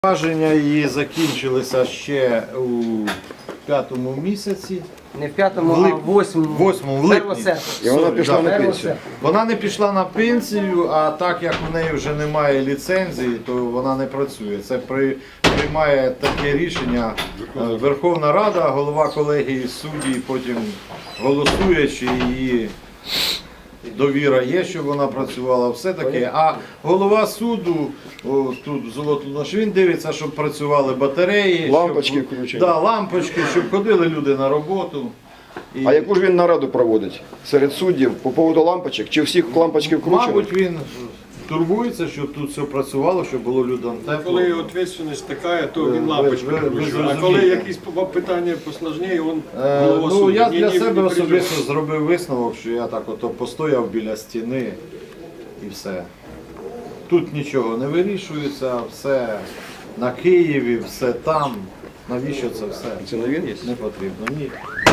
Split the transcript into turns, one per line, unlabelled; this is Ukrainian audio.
Повноваження її закінчилися ще у 5-му місяці.
Не в 5-му, а в 8-му.
8-му, в липні.
І вона пішла на пенсію.
Вона не пішла на пенсію, а так як у неї вже немає ліцензії, то вона не працює. Це приймає таке рішення Верховна Рада, голова колегії суддів, потім голосує, чи її довіра є, щоб вона працювала, все таке. А голова суду, тут Золотонош, він дивиться, щоб працювали батареї,
Лампочки включені.
Да, лампочки, щоб ходили люди на роботу. І,
А яку ж він нараду проводить серед суддів по поводу лампочок? Чи всіх лампочки вкручені?
мабуть, він турбується, щоб тут все працювало, щоб було людям тепло.
Коли відповідальність така, то він лампочку
ви
включує. А
зрозумієте.
коли якісь питання посложніше, він голова
Ну,
суду.
я
Ні,
для
ні,
себе
не
особисто зробив висновок, що я так ото постояв біля стіни і все. Тут нічого не вирішується, все на Києві, все там. Навіщо це все?
Це не він є?
Не потрібно, ні.